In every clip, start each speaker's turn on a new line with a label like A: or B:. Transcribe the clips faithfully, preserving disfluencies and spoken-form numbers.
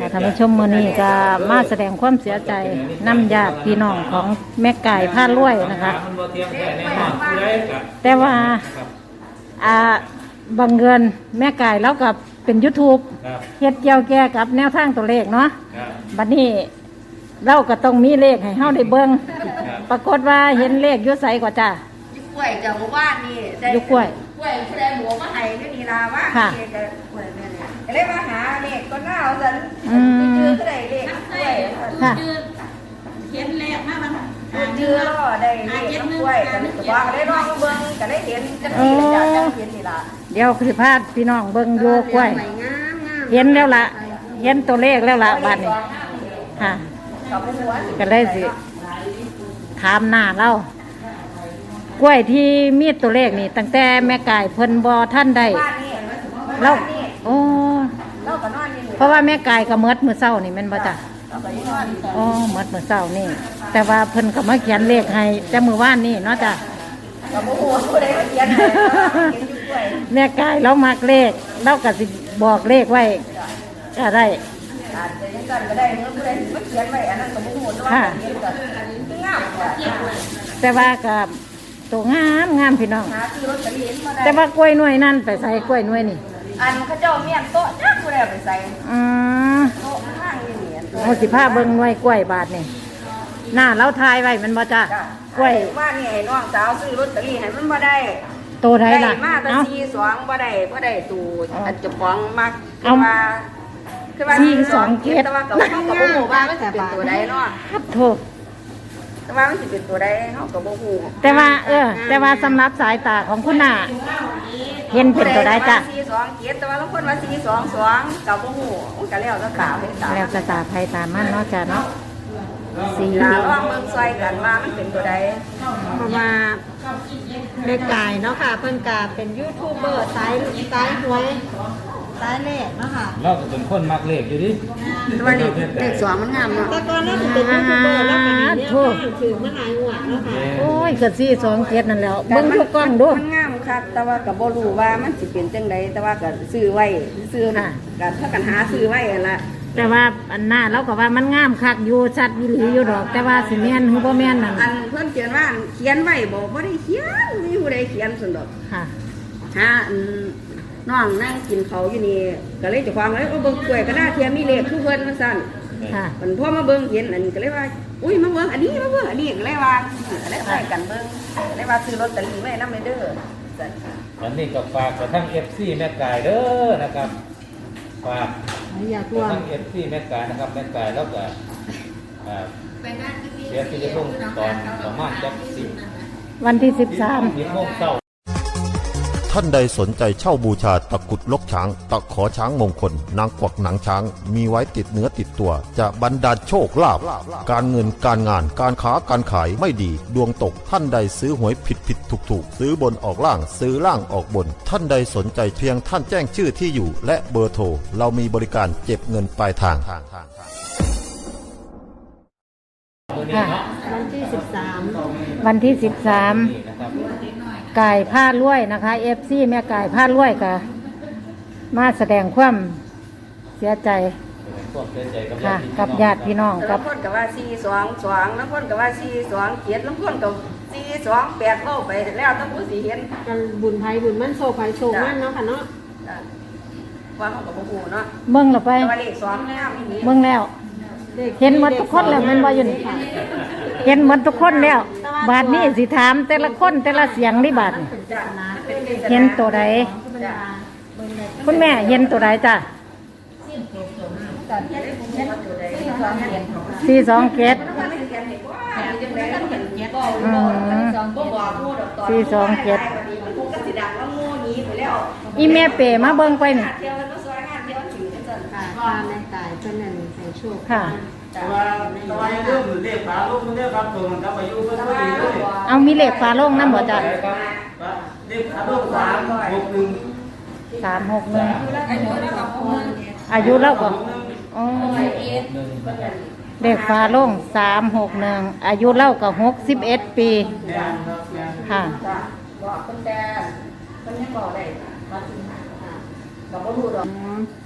A: ค่ะท่านผู้ชมมื้อนี้ก็มาแสดงความเสียใจน้ำญาติพี่น้องของแม่ไก่ผ้ารวยนะคะแต่ว่าอ่าบังเอิญแม่ไก่แล้วกับเป็น YouTube เฮ็ดเกี่ยวแก่กับแนวทางตัวเลขเนาะบัดนี้เราก็ต้องมีเลขให้เฮาได้เบิ่งปรากฏว่าเห็นเลขอยู่ไสกว่าจ้ะ
B: ยุกล้วยจากหมู่บ้านนี่
A: ยุกล้วย
B: กล้วยผู้ใดหมูมาให้นี่นี่ล่ะว่าเด็กก็กล้วยนี่เลยก็เลยมาหาเลขก็น่าเอาซั่นจื้อๆก็ได้เลขกล้วย
A: ค่ะ
C: เห็นเลขมามัน
B: จื้อๆก็ได้เลขกล้วยก็เลยว่าก็ได้ลองเบิ่งก็ได้เห็นจังซี่ล่ะจังเห็นนี่ล่ะ
A: เดี๋ยวสิพาพี่น้องเบิ่งอยู่กล้วยเห็นแล้วล่ะเห็นตัวเลขแล้วล่ะบัดนี้ค่ะก็เลยสิถามหน้าเรากล้วยที่มีตัวเลขนี่ตั้งแต่แม่ไก่เพิ่นบ่ท่านได้แล้วโอ้เพราะว่าแม่ไก่ก็เมิดมื้อเช้านี่แม่นบ่จ้ะอ๋อเมิดมื้อเช้านี่แต่ว่าเพิ่นก็มาเขียนเลขให้แต่มื้อวานนี่เนาะจ้ะแม่ไก่เรามักเลขเราก็สิบอกเลขไว้ก็ได้
B: อาจจะยังกันก็ได้เมื่อผู้ใดมาเขียนไว้อันนั้นก็บ่ฮู้ว่าเขียนก็งามกว่า
A: แต่ว่ากับตัวงามงามพี่น้องแต่ว่ากล้วยหน่วยนั่นไปใส่กล้วยหน่วยนี่
B: อันเขาเจ้าเมียนโต๊ะจักผู้ใดไปใส่
A: อืม
B: โต๊ะข้างนี่
A: โอ้สิพาเบิ่งหน่วยกล้วยบาทนี่หน้าเราทายไว้มันบ่จ้ะกล้วย
B: ว่านี่ให้น้องสาวซื้อลอตเตอรี่ให้มันบ่ได้
A: โตได้ล่ะ
B: มาแต่สี่สองบ่ได้บ่ได้ตู่อันเจ้าของมักคือว่าคือว่า
A: สี่สองเจ็ด
B: แต่ว่าก็เฮาก็บ่ฮู้ว่ามันสิเป็นตัวใดเนาะ
A: ครับโทษ
B: แต่ว่ามันสิเป็นตัวใดเฮาก็บ่ฮู้
A: แต่ว่าเออแต่ว่าสำหรับสายตาของคุณน่ะเห็นเป็นตัวใดจ้ะ
B: สี่สองเจ็ดแต่ว่าบางคนว่าสี่สองสองก็บ่ฮู้มันก็แล้วแต่ตาเห็นตา
A: แล้วแต่ตาไผตามันเนาะจ้ะเนาะ
B: สี่ลองเบิ่งซอยกันว่ามันเป็นตัวใด
C: เพราะว่าแม่ไก่เนาะค่ะเพิ่นก็เป็นยูทูบเบอร์สายสายหวยสายเลขเนาะค่ะ
D: เราก็เป็นคนมักเลขอยู่ดิ
B: แต่ว่าเลขสองมันงามเนาะ
C: แต่ก่อนเราเป็นยูทูบเบอร์แล้วก็เนี่ยถือมาหลายงวดเนาะค่ะ
A: โอ้ยก็สี่สองเจ็ดนั่นแล้วเบิ่งทุกกล้องดู
B: มันงามคักแต่ว่าก็บ่รู้ว่ามันสิเป็นจังไดแต่ว่าก็ซื้อไว้ซื้อน่ะก็ถ้ากันหาซื้อไว้ล่ะ
A: แต่ว่าอันหน้าเราก็ว่ามันงามคักอยู่ชัดวิลีอยู่ดอกแต่ว่าสิแม่นหรือบ่แม่นนั่น
B: อันเพิ่นเขียนว่าเขียนไว้บ่บ่ได้เขียนมีผู้ใดเขียนซั่นดอก
A: ค่ะ
B: หาอันน้องนั่งกินเขาอยู่นี่ก็เลยจะฟังเลยว่าเบิ่งกล้วยก็น่าเทียมมีเลขทุกเพิ่นมาสั่น
A: ค่ะ
B: มันพอมาเบิ่งเห็นอันนี้ก็เลยว่าอุ้ยมาเบิ่งอันนี้มาเบิ่งอันนี้ก็เลยว่าก็เลยไปกันเบิ่งเลยว่าซื้อลอตเตอรี่ไว้นำเด้อ
D: วันนี้ก็ฝากกระทั่ง เอฟ ซี แม่ไก่เด้อนะครับฝาก
C: อยาก
D: กระทั่ง เอฟ ซี แม่ไก่นะครับแม่ไก่แล้วก็อ่าเสียชีวิตลงตอนประมาณจักสิบ
A: วันที่สิบสาม
D: สิบโมงเช้า
E: ท่านใดสนใจเช่าบูชาตะกุดลกช้างตะขอช้างมงคลนางกวักหนังช้างมีไว้ติดเนื้อติดตัวจะบรรดาลโชคลาภการเงินการงานการค้าการขายไม่ดีดวงตกท่านใดซื้อหวยผิดผิดถูกถูกซื้อบนออกล่างซื้อล่างออกบนท่านใดสนใจเพียงท่านแจ้งชื่อที่อยู่และเบอร์โทรเรามีบริการเก็บเงินปลายทาง
C: วันที่สิบสาม
A: วันที่สิบสามไก่ผ้าลวยนะคะเอฟซีแม่ไก่ผ้าลวยกับมาแสดงความเสียใจค่ะกับญาติพี่น้องกับ
B: คนกับว่าสี่สองสองแล้วคนกับว่าสี่สองเจ็ดแล้วคนกับสี่สองแปดโลไปแล้วต้องผู้สีเห็น
C: กันบุญไผ่บุญมั่นโซไผ่โซมั่นเนาะค่ะเนาะ
B: ว่าเขากับผู้เนาะ
A: เบิ่งเราไปเบิ่งแล้วเห็นหมดทุกคนแล้วมันว่าอยู่นี่เห็นหมดทุกคนแล้วบาทนี้สิถามแต่ละคนแต่ละเสียงนี่บาทเห็นตัวใดคุณแม่เห็นตัวใดจ้ะสี่สองเจ็ดสี่สองเจ็ดอีแม่เป๋มาเบิ่งไปนี่
C: ค่ะแม่ตายเพิ่นนั่นให้โชค
A: ค่ะ
D: แต่ว่าแต่ว่าเรื่องเลขฝาโลงมันได้ครับตัวมันครับอายุเพิ่นพอดีเลย
A: เอามีเลขฝาโลงนำบ่จ้ะ
D: เลขฝาโลงสามหกหนึ่ง
A: สามหกหนึ่งอายุเล่าก็อ๋อเลขฝาโลงสามหกหนึ่งอายุเล่าก็หกสิบเอ็ดปีค่ะ
B: บอกเพิ่นแต่เพิ่นยังบอกได้ว่าสิบอกบ่รู้ดอก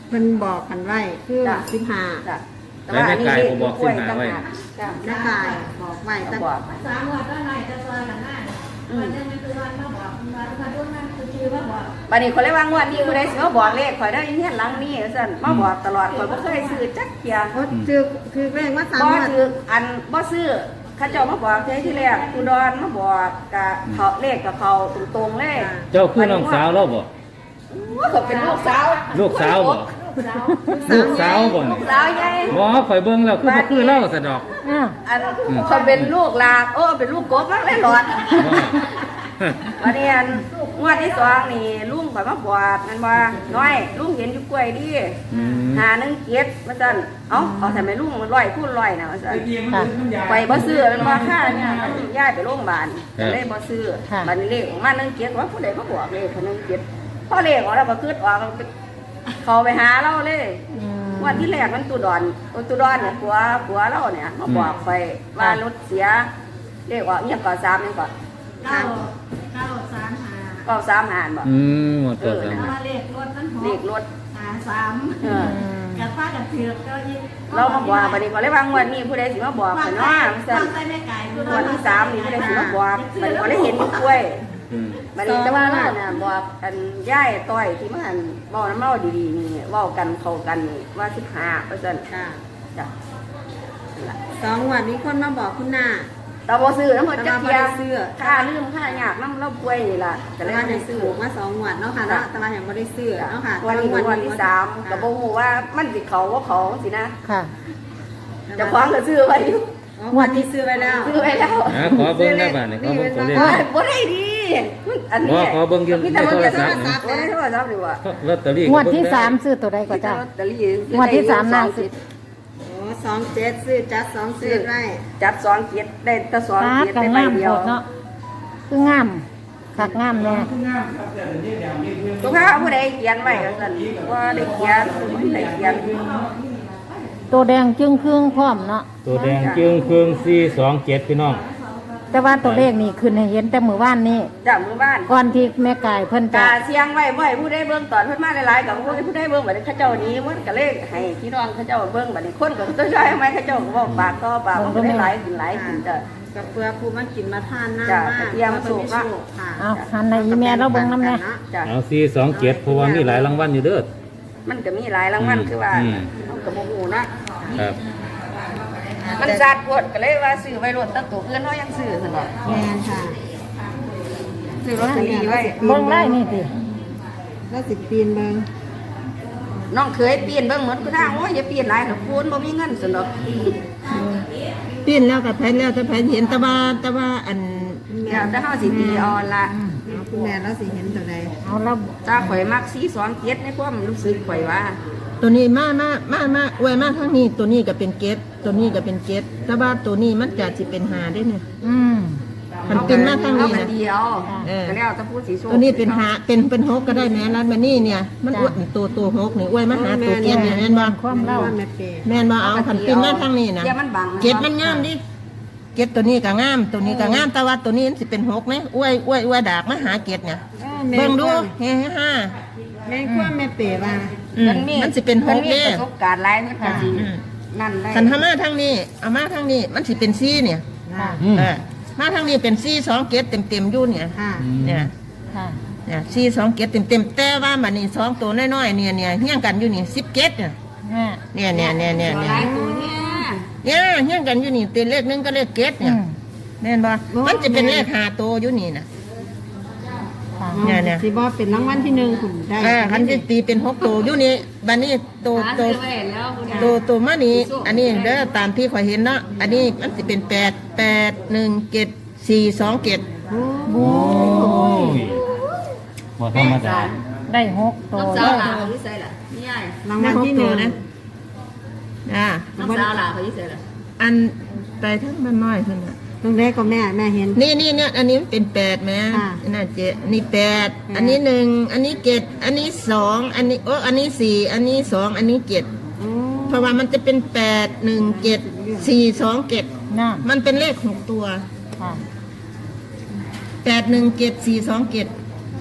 C: เพิ่นบอกกันไว้คือ
B: จ้ะ
C: สิบห้า
B: จ้ะ
D: แล้วแม่กายก็บอกสิบห้าไว้
B: จ้ะ
C: แม่กายบอกไว้แต่
B: บอก
F: สามวันก็ไหนจะซอยกันหน้าวันนึงมันคือวันมาบอกวันวันรุ่นนั้นคือชื่อว่าบอก
B: บัดนี้คนเลยว่างวดนี้ผู้ใดสิมาบอกเลขข่อยได้ยินเฮียนหลังนี้ซั่นมาบอกตลอดข่อยบ่เคยซื้อจักเที่ย
C: โอ้ถือถือเลขว่าสาม
B: บ่
C: งวด
B: ถืออันบ่ซื้อเขาเจ้ามาบอกเที่ยที่แรกอุดรมาบอกกะเขาเลขกับเขาตรงๆเลย
D: เจ้าคือน้องสาวเราบ่
B: ว่าเขาเป็นลูกสาว
D: ลูกสาวบ่ลูกสาวบ่
B: ลู
D: นี่
B: กสาวใหญ่
D: บ่ข่อยเบิ่งแล้วคือบ่คือเล่าซะดอก
A: อ่า
B: อันเขาเป็นลูกลาโอ้เป็นลูกกบมากเลยหลอด วันนี้อันงวดที่สองนี่ลุงข่อยมาบวชมันว่าน้อยลุงเห็นอยู่กล้วยดิ
D: อืม
B: หาหนึ่งเกียรติมาสั่นเอ้าเอาทำไมลุงมันร้อยคูณร้อยนะมาสั่น
A: ค่ะ
B: ไปบ่ซื้อมันว่าค่าเนี่ยมันย้ายไปโรงพยาบาลก็เลยบ่ซื้อ
A: ค่ะ
B: บัดนี้เลขออกมาหนึ่งเกียรติว่าผู้ใดมาบอกเลขคนหนึ่งเกียรติพอเลขออกแล้วก็คืดออกเขาไปหาเราเลย
A: อืม
B: งวันที่แรกมันตุดอนตุดอนเนี่ยผัวผัวเราเนี่ยมาบอกไปว่ารถเสียเลขว่าเงียบก่อนสามนี่ก่อน
F: เก้าเก้าสามหา
B: ก็สามหานบ่
D: อืมหมดตัวแล้ว
F: ว่าเลขรถนั้นห
B: เล
F: ก
B: ขรถ
F: หาสาม
B: เออ
F: กับป้ากับเถือกก็ยิ่ง
B: เรามาบอกบัดนี้ก็เลยว่างวดนี้ผู้ใดสิมาบอก
F: วา
B: ข่
F: ง
B: อย
F: ใส่
B: เนาะมันซั่
F: วาน งใส่แม่ไก่คือ
B: วันที่สามนี่ผู้ใดสิมาบอกบัดนี้ก็เลยเห็นอยู่กล้วย
D: อืม
B: บัดนี้แต่ว่าเราน่ะบอกอันย่ายต้อยที่มาอันเว้าน้ำเมาดีๆนี่เว้ากันเข้ากันนี่ว่าสิบห้าเปอร์เซ็นต์
C: ค่ะ
B: จ้ะ
C: สองงวดมีคนมาบอกคุณหน้า
B: แต่บ่ซื้อน้ำมันจักเทีย
C: แต่ว่าบ่ได้ซื้อ
B: ค่าลืมค่ายากน้ำเราป่วยนี่ล่ะก็
C: แต่
B: เลย
C: ว่า
B: บ่
C: ได้
B: ได้
C: ซื้
B: ซื้
C: อ
B: อ
C: มาสองงวดเนาะค่ะเนาะแต่ว่ายังไม่ได้ซื้อเนาะค่ะ
B: วันนี้วันที่สามก็บ่ฮู้ว่ามันสิเขาบ่เขาสินะ
A: ค่ะ
B: เจะคว้าของก็ซื้อไว้อยู่
C: อ๋องวดที่ซื้อไว้แล้ว
B: ซื้อไว้แล้ว
D: อ่ะขอเบิ่งได้บ้านนี่ขอเบิ่งตัวเลข
B: โอ้ยบ่ได้ดีอันนี้
D: บ่ขอเบิ่งอยู่
B: มีแต่เบิ่ง
D: ใน
B: แต่
D: โท
B: โท
D: ร
B: ร
D: ศั
B: ศั
D: พ
B: พ
D: ท์
B: ท์นี่ว่าโทรศัพท์นี่ว่า
D: ลอตเตอรี่
A: งวดที่สามซื้อตัวใดก็
B: มีแต่
A: จ้า
B: ลอตเตอรี่
A: งวดที่สามน่าสิ
C: โอ้สองเจ็ดซื้อจัดสองซื้อไว้
B: จัดสองเกียรติได้แต่สอง
A: ฟ้า
B: เกียรติ
A: กั
B: ได้
A: ง
B: ใบ
A: งาม
B: เดี
A: โพ
B: ยว
A: ดเนาะคืองามคักงามแน่
B: ทุกครั้งผู้ใดเขียนไว้ก็ซั่นว่าได้เขียนบ่ได้เขียน
A: ตัวแดงจึงครึ่งพร้อมเนาะ
D: ตัวแดงจึงเครื่องสี่สองเจ็ดพี่น้อง
A: แต่ว่าตัวเลขนี่ขึ้นให้เห็นแต่มื้อวานนี้
B: จากมือบ้าน
A: ก่อนที่แม่กายเพิ่นจะ
B: กาเสียงไว้บ่ให้ผู้ใดเบิ่งตอนเพิ่นมาหลายๆกับผู้ใดผู้ใดเบิ่งบัดนี้เขาเจ้านี้มันก็เลยให้พี่น้องเขาเจ้าเบิ่งบัดนี้คนก็ต้องใช้ไหมเขาเจ้าก็บอกปากต่อปากมันก็ได้หลายขึ้นหลายขึ้นจ้ะ
C: กับเพื่อผู้มากินมาทานหน้า
B: จ้ะ
C: มาก
B: กระเทียมสุกอะ
C: ค่ะ
A: เอาหันในอีเมลเราเบิ่งนำแน่
B: จ้ะ
D: เอาสี่สองเจ็ดเพราะว่ามีหลายรางวัลอยู่เด้อ
B: มันก็มีหลายรางวัลคือว่า
D: อืม
B: เฮาก็บ่ฮู้นะครับ มันสัตว์โพดก็เลยว่าซื้อไว้รถตั้งตัวอื่นเฮายังซื้อซั่นดอก
C: แมนค่ะ
B: ซื้อลอตเตอรี่ไว้
A: เบิ่งได้นี่ติ
C: แล้วสิปีนเบิง
B: น้องเคยเปลี่ยนเบิ่งหมดคือทางโอ้ยอย่าเปลี่ยนหลายเถอะคูณบ่มีเงินซั่นดอก
C: ปีนแล้วกับแพนแล้วแต่แพนเห็นแต่ว่าแต่ว่าอัน
B: เดี๋ยวแต่เฮาสิตีเออนละ
C: เอาคุณแม่แล้วสิเห็นตัวใด
A: เอาแล้ว
B: ถ้าข่อยมักสี่สองเจ็ดในความรู้สึกข่อยว่า
G: ตัวนี้มามามามาไว้มาทั้งนี้ตัวนี้ก็เป็นเกตตัวนี้ก็เป็นเกตแต่ว่าตัวนี้มันจะสิเป็นหาได้เนี่ย
A: อืม
G: มันเป็นมาทั้งนี้
B: เอา
G: นะ
B: เดียว
G: เออ
B: ก็แล้วแต่ผู้สีโชค
G: ตัวนี้เป็นหาเป็นเป็นหกก็ได้แม่ร้านมานี่เนี่ย มันอวดนี่ตัวตัวหกนี่อวยมาหาตัวเกตเนี่ยแม่นบ่
A: ความเล่า
C: ว่าแม่เปย์
G: แม่นบ่เอาผันเป็นมาทั้งนี้นะ
B: เดี๋ยวมันบัง
G: เกตมันงามดิเกตตัวนี้ก็งามตัวนี้ก็งามแต่ว่าตัวนี้มันสิเป็นหกไหมอวยอวยอวยดากมาหาเกตเนี่ยเบิ่งดูเฮ้ห้า
C: แม่กว่าแม่เปย์ว่า
G: อืมมันสิเป็นหก
B: เด้
G: เด้
B: ประสบการณ์หลายมันก็สิ
G: อืม
B: นั่นได้
G: คันทามาทางนี้เอามาทางนี้มันสิเป็นซี่เนี่ย
A: ค่ะ
D: อืม
G: เออมาทางนี้เป็นซี่สองเกตเต็มเต็มๆอยู่เนี่ย
C: ค่ะ
G: เนี่ย
A: ค่ะ
G: เนี่ยซี่สองเกตเต็มเต็มๆแต่ว่ามันนี่สองตัวน้อยๆเนี่ยเนี่ยเฮี้ยงกันอยู่นี่สิบเกตเนี่ย
A: แม่
G: เนี่ยเนี่ยเนี่ยเนี่ย
B: ห
G: เนี่ย
B: ลายตัวเนี่ย
G: เนี่ยเฮี้ยงกันอยู่นี่เป็นเลขหนึงก็เลขเกต
A: อื
G: เนี่ย
A: ม
G: แม่นบ่มันจะเป็นเลขหาตัวอยู่นี่นะ
A: ค่ะ
G: เนี่ยเนี่ย
C: สิบ่เป็นรางวัลที่หนึ่งคุณได้
G: เออคันจะตีเป็นหกตัวอยู่นี่บัดนี้ตัว
B: หา
G: ตัว
B: ซื้อไว้แล้วคุณ
G: ตัวตัวมานี่อันนี้เด้อตามที่ข่อยเห็นเนาะอันนี้มันจะเป็นแปดแปดหนึ่งเกตสี่สองเกต
D: โอ้ยบ่ธรรมดา
A: ได้หกตัว
B: น้องสาวหลาเขาอยู่ไสล่ะนี่ยาย
C: รางวัลที่หนึ่ง
G: นะอ่า
B: น้องสาวหลาเขาอยู่ไสล่ะ
G: อันไปทั้งมันน้อยขึ้นอ่ะ
C: ตรงแรกก็แม่แม่เห็น
G: นี่นี่เนี่ยอันนี้มันเป็นแปดไหม
C: ค่ะ
G: น่าเจนี่แปดอันนี้หนึ่งอันนี้เจ็ดอันนี้สองอันนี้โอ้อันนี้สี่อันนี้สองอันนี้เจ็ด
C: อืม
G: เพราะว่ามันจะเป็นแปดหนึ่งเจ็ดสี่สองเจ็ด
A: น่ะ
G: มันเป็นเลขหกตัว
A: ค่ะ
G: แปดหนึ่งเจ็ดสี่สองเจ็ด
C: โ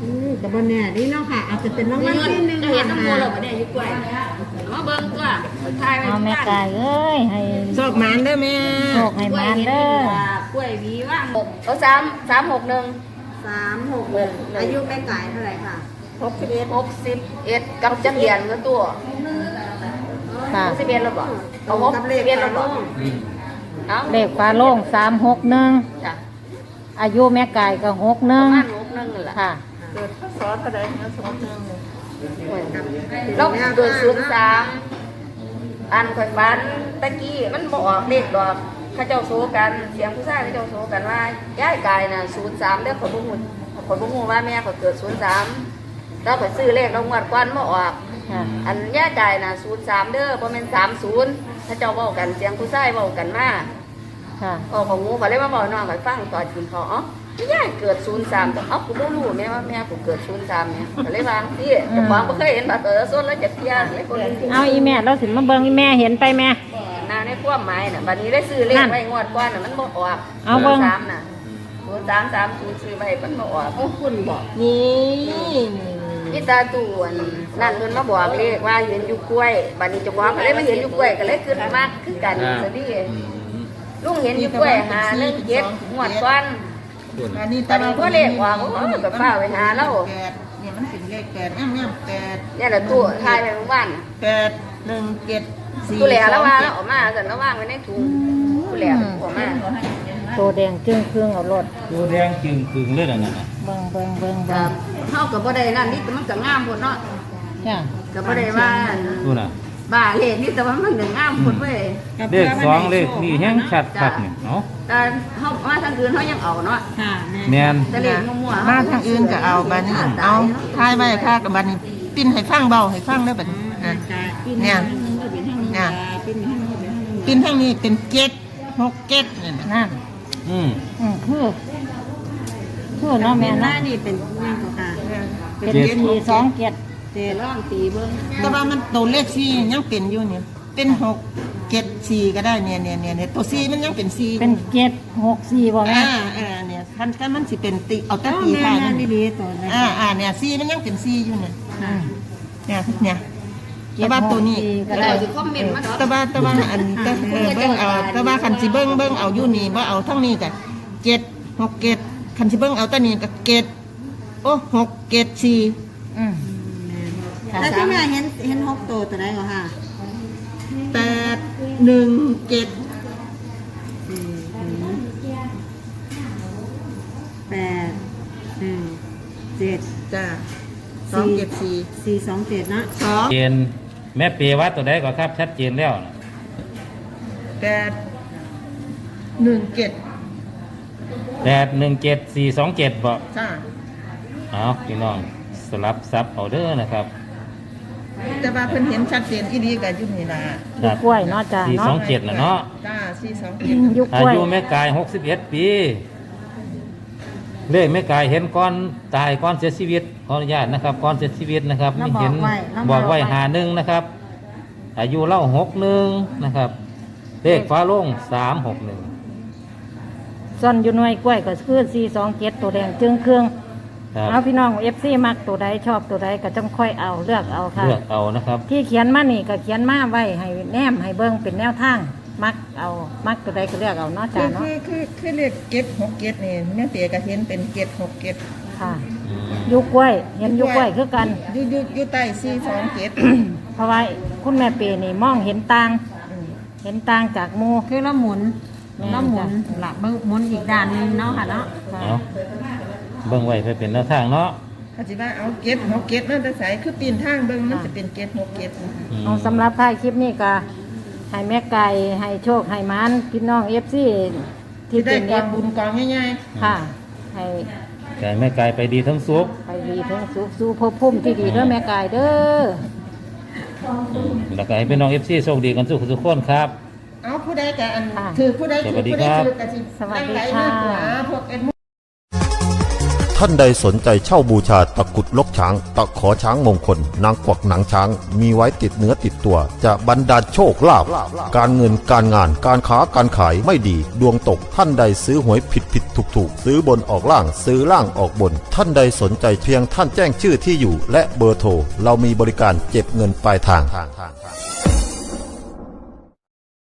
C: อืมกับบนเนี่ยนี่เนาะค่ะ อาจจะเป็นรางวัลที่หนึ่ง
B: จะเห็นน้ำมูลหรอวะเนี่ยอยู่กล้วยมาเบิ่งตัวถ่ายไว้
A: เอาแม่กายเอ้ยให้
G: โชคหมานเด้อแม่
A: โชคให้มานเด้อก
B: ล้วยวีว่างเอาสามสามหกหนึ่ง
C: สามหกหนึ่งอายุแม่ไก่เท่าไหร่ค่ะ
B: หกสิบเอ็ดหกสิบเอ็ดกับจักรยานก็ตัว
A: ค่ะ
B: หกสิบเอ็ดแล้วบ่เอาหกสิบเอ็ดแล้วบ่เอา
A: เลขฟ้าโล่งสามหกหนึ่ง
B: จ้ะ
A: อายุแม่กายก็หกห
B: ป
A: นึ่
B: ระ
A: ง
B: มาณหกหนึ่งนั่นแหละ
A: ค่ะ
B: เกิดพศเท่าไหร่เนี่ยสองหนึ่งเราเกิดศูนย์สามอันข่อยฝันตะกี้มันบออกเลขดอกเข้าเจ้าโซกันเสียงผู้ชายเข้าเจ้าโซกันว่าย้ายกายน่ะศูนย์สามเด้อข่อยบ่ฮู้ข่อยบ่ฮู้ว่าแม่ข่อยเกิดศูนย์สามแล้วข่อยซื้อเลขเรางวดก่อนบ่ออก
A: ค่ะ
B: อันย้ายกายน่ะศูนย์สามเด้อบ่แม่นสามศูนย์เข้าเจ้าเว้ากันเสียงผู้ชายเว้ากันมา
A: ค่ะ
B: อ๋อของงูเขาเลยมาบอกน้องเขาฟังตอนกินพออ๋อย่ายเกิดศูนย์สามแต่เอ้ากูไม่รู้แม่ว่าแม่กูเกิดศูนย์สามเนี่ยเขาเลยวางที่จะฟังไม่เคยเห็นแบบเออส้นแล้วจะเพี้ยนเลยคนนี้
A: เอาอีแม่เราสิมาเบิ่งอีแม่เห็นไปแม่
B: นาในความหมายน่ะบัดนี้ได้ซื้อเลขไว้งวดก่อนน่ะมันบ่ออก
A: เอาเบิ่ง
B: สามน่ะศูนย์สามสามศูนย์ซื้อไว้มันบ่ออก
C: คุณบอก
G: นี่นี่
B: นี่ตาตู่อันนั่นเพิ่นมาบอกเลขว่าเห็นอยู่กล้วยบัดนี้เจ้าของก็เลยมาเห็นอยู่กล้วยก็เลยขึ้นมากคือกันซะดิลุงเห็นอยู่กล้วยหาหนึ่งเจ็ดงวดก่อน
G: อันนี้
B: ตอนนี้พวกเลขออกโอ้ยแบบฟ้าไปหาแล้ว
G: แปดเนี่ยมันเป็นเลขแปดแง่มแง่มแปด
B: เนี่ยแหละตู้ทายไปเมื่อวาน
G: แปดหนึ่งเจ็ดสี่
B: ตู้แหล่แล้วว่า
G: ส
B: แล้
G: อ
B: ว
G: ง
B: ออกมาแต่แล้วว่างไว้ในถุงตู้แหล่ออกมา
A: ตัวแดงจึ้งเครื่องเอารถ
D: ตัวแดงจึงกึ่งเลยนะนั่นน่ะ
A: เบิ่งเบิ่งเบิ่ง
B: ค
A: เบิ่
B: รั
A: ง
B: บเท่ากับบ่ได้นั่นนี่แต่มันก็งามหมดเนาะ
A: จ้ะ
B: ก็บ่ได้ว่า
D: ดูน่ะ
B: บ้าเลขนี่แต่ว่ามันก็งามหมดเว้ย
D: เลขสองเลขนี่แห้งชัดคักนี่เนาะ
B: แต่เฮามาทางอื่นเฮายังเอาเนาะ
C: ค่ะแม่
D: แม่น
B: แต่เลขมั่วๆ
G: มาทางอื่นก็เอาบัดนี้เอาทายไว้ค่ะกับบัดนี้ปิ้นให้ฟังเบาให้ฟังได้อบัดนี้อ่ะเนี่ยเนี่ยปิ้นทางนี้เป็นเจ็ดหกเจ็ดเนี่ยนะ
A: นั่น
D: อืม
A: อืมคือคือเนาะแม่
C: หน้า
A: เนาะ
C: นี่เป็นยังก็ค่ะ
A: เป็นสี่สองเจ็ด
C: เจร้องตีเบิ้ง
G: แต่ว่ามันตัวเลขสี่ยังเป็นอยู่เนี่ยเป็นหกเจ็ดสี่ก็ได้เนี่ยเนี่ยเนี่ยเนี่ยตัวสี่มันยังเป็นสี่
A: เป็นเจ็ดหกสี่บ่แม่
G: อ่าอ่าเนี่ยคันคันมันสิเป็นตีเอาแต่
C: อ๋อ
G: ตี
C: แม่
G: ท้าย
C: แม่
G: มัน
C: นี่ดีตัวนะ
G: อ่าอ่าเนี่ยสี่มันยังเป็นสี่อยู่เนี่ย
A: อืม
G: เนี่ยเนี่ยแต่ว่าตัวนี้
A: เจ็ดหกสี่ก็
B: แล้
A: ได้
B: วสิคอมเมนต์มาเนาะ
G: แต่ว่าแต่ว่าอันแต่เออเบิ่งเอาแต่ว่าคันสิเบิ่งเบิ่งเอาอยู่นี่บ่เอาทั้งนี้ก็เจ็ดหกเจ็ดคันสิเบิ่งเอาแต่นี้ก็เจ็ดโอ้หกเจ็ดสี่
A: อืมค่ะ
C: แล้วที่แม่เห็นเห็นหกตัวตัวไหนก็ค่ะ
G: แปดหนึ่งเจ็ด
C: แปดหนึ่งเจ็ด
G: จ้าสองเจ็ดสี่
C: สี่สองเจ็ดนะ
G: สอง
D: เจนแม่เปรวัดตัวใดก็ครับชัดเจนแล้วน่ะ
G: แปดหนึ่งเจ็ด
D: แปดหนึ่งเจ็ดสี่สองเจ็ดบ่
G: จ้า
D: เอาพี่น้องสลับซับเอาเด้อนะครับ
G: แต่ว่าเพิ่นเห็นชัดเจนอีดีกับอยู่นี่ล่ะ
D: ครับ
A: กล้วยเนาะจ้ะ
D: สี่สอง
A: เนาะ
D: เจ็ดนะเนาะ
G: จ้าสี่สองเจ็ด
A: ยุก
D: อาก
A: ล้วย
D: ยุแม่กายหกสิบเอ็ดปี เลขแม่กายเห็นก่อนตายก่อนเสียชีวิตขออนุญาตนะครับก่อนเสียชีวิตนะครับ
C: แล้ว
D: ไม่เห็น
C: บอกไว้แล้ว
D: บอกไว้
C: บอกไว้
D: หาหนึ่งนะครับ อายุเล่าหกหนึ่งนะครับ เลขฟ้าโล่งสามหกหนึ่ง
A: ส่วนอยู่หน่วยกล้วยก็คือสี่สองเจ็ดตัวแดงจึงเครื่อง
D: ครับ
A: เอาพี่น้องเอฟซีมักตัวใดชอบตัวใดก็จงค่อยเอาเลือกเอาค่ะ
D: เลือกเอานะครับ
A: ที่เขียนมานี่ก็เขียนมาไว้ให้แนมให้เบิ่งเป็นแนวทาง มักเอามักตัวใดก็เลือกเอาเนาะ
G: คื
A: จ้า
G: อ
A: เนาะ
G: คือคือคือเลขเจ็ดหกเจ็ดนี่แม่เปียก็เห็นเป็นเจ็ดหกเจ็ด
A: ค่ะยุกกล้วย เห็นยุกกล้วยคือกัน
G: อยู่อยู่อยู่ใต้สี่สองเจ็ด
A: เพราะว่าคุณแม่เปรนี่มองเห็นต่าง เห็นต่างจากหมู
C: คือเราหมุน
A: แม่
C: เราหมุน
A: จ้ะ
C: หลับหมุนอีกด้านหนึงเนาะค่ะเนาะ
D: เอาเบิ่งไว้เพื่อเป็นแนวทางเนาะ
G: เขาสิว่าเอาเจ็ดหกเจ็ดนั่นแต่ใส่คือปีนทางเบิ่งมันจะเป็นเจ็ดหกเจ็ด
D: อืม
A: เอาสำหรับท้ายคลิปนี้ก็ให้แม่ไก่ให้โชคให้หมันพี่น้องเอฟซีที่
G: ที่ได้
A: เป็น
G: ก
A: เอ
G: อง
A: ฟ
G: บุญกองง่าย
A: ค่ะ ให้
D: ไก่แม่ไก่ไปดีทั้งสุก
A: ไปดีทั้งสุขสู่ภพภูมิที่ดีเด้อแม่ไก่เด้อ
D: แล้วก็ให้พี่น้องเอฟซีโชคดีกันทุกทุกคนครับ
G: ๆเอาผู้ใดก็อันถือผู้ใดถือผู้ใดถือก็สิ
A: สวัสดี
G: ไหล
A: ค่ะ
G: มากกว่าพวกเอ็ด
E: ทท่านใดสนใจเช่าบูชาตะกรุดลกช้าง ตะขอช้างมงคล นางกวักหนังช้าง มีไว้ติดเนื้อติดตัว จะบรรดาลโชคลาภการเงินการงานการค้าการขายไม่ดีดวงตกท่านใดซื้อหวยผิดผิดถูกถูกซื้อบนออกล่างซื้อล่างออกบน ท่านใดสนใจเพียงท่านแจ้งชื่อที่อยู่ และเบอร์โทรเรามีบริการเก็บเงินปลายทาง